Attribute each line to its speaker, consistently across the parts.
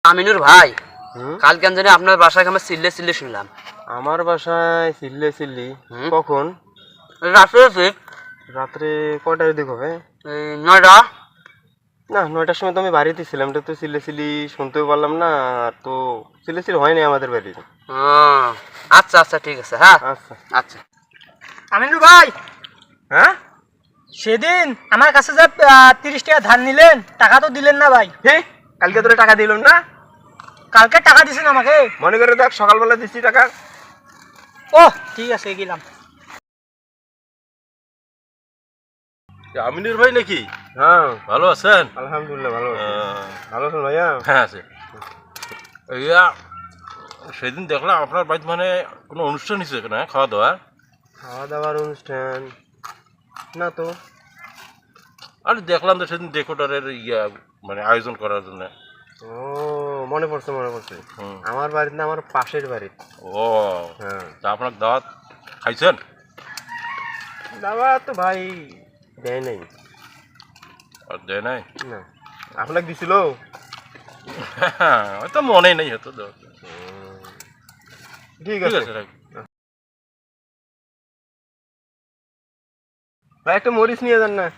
Speaker 1: আমিনুর ভাই, কালকে আমি জানি আপনার বাসায় আমার চিল্লে চিল্লে শুনলাম।
Speaker 2: আমার বাসায় চিল্লে চিল্লি? কখন?
Speaker 1: রাত্রে
Speaker 2: রাত্রে কয়টার দিক হবে?
Speaker 1: 9টা।
Speaker 2: না, 9টার সময় তো আমি বাড়িতে ছিলাম, এটা তো চিল্লে চিল্লি শুনতেও পারলাম না। আর তো চিল্লে চিল্লি হয়নি আমাদের বাড়িতে।
Speaker 1: আচ্ছা আচ্ছা, ঠিক আছে। হ্যাঁ
Speaker 2: আচ্ছা
Speaker 1: আচ্ছা।
Speaker 3: আমিনুর ভাই,
Speaker 2: হ্যাঁ,
Speaker 3: সেদিন আমার কাছে যে 30 টাকা ধার নিলেন, টাকা তো দিলেন না ভাই।
Speaker 2: হে, কালকে তোরা টাকা দিলাম না?
Speaker 3: কালকে টাকা দিছেন আমাকে?
Speaker 2: মনে করে দেখ, সকালবেলা দিচ্ছি টাকা।
Speaker 3: ও ঠিক আছে, গেলাম।
Speaker 4: আমিনুর ভাই নাকি?
Speaker 2: হ্যাঁ,
Speaker 4: ভালো আছেন?
Speaker 2: আলহামদুলিল্লাহ ভালো আছি। ভালো আছেন ভাইয়া?
Speaker 4: হ্যাঁ আছে। ইয়া, সেদিন দেখলাম আপনার বাড়িতে মানে কোনো অনুষ্ঠান হয়েছে না, খাওয়া দাওয়া?
Speaker 2: খাওয়া দাওয়ার অনুষ্ঠান না তো।
Speaker 4: আর দেখলাম তো সেদিন ডেকোরেটরের মানে আয়োজন করার জন্য।
Speaker 2: ও, মনে পড়ছে মনে পড়ছে।
Speaker 4: হুম।
Speaker 2: আমার বাড়িতে না, আমার পাশের বাড়ি।
Speaker 4: ও,
Speaker 2: হ্যাঁ,
Speaker 4: তা আপনার দাওয়াত খাইছেন?
Speaker 2: দাওয়া তো ভাই দেয় নাই।
Speaker 4: আর দেয় নাই?
Speaker 2: না, আপনাকে দিছিল?
Speaker 4: হয়তো মনে নেই, হয়তো দাওয়াত।
Speaker 2: ঠিক
Speaker 4: ঠিক
Speaker 2: আছে।
Speaker 4: আছে, রাখ।
Speaker 2: ভাই একটা মরিচ নিয়ে যান না।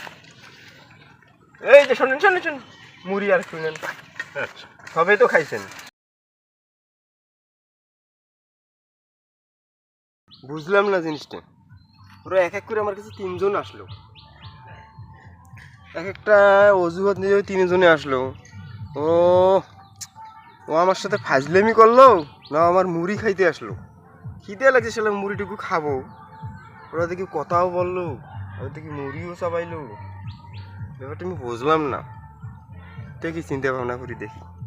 Speaker 2: এই যে শোনেন শোনেন শোনেন, মুড়ি আর শুনেন,
Speaker 4: আচ্ছা।
Speaker 2: সবে তো খাইছেন। বুঝলাম না জিনিসটা। ওরা এক এক করে আমার কাছে 3জন আসলো, এক একটা অজুহাত নিয়ে 3জনে আসলো। ও ও আমার সাথে ফাজলেমি করলো না, আমার মুড়ি খাইতে আসলো। খিদে লাগছে, সেটা মুড়িটুকু খাবো। ওরা দেখি কথাও বললো, ওরা দেখি মুড়িও চাবাইলো। ব্যাপারটা আমি বুঝলাম না। দেখি চিন্তা ভাবনা করি দেখি।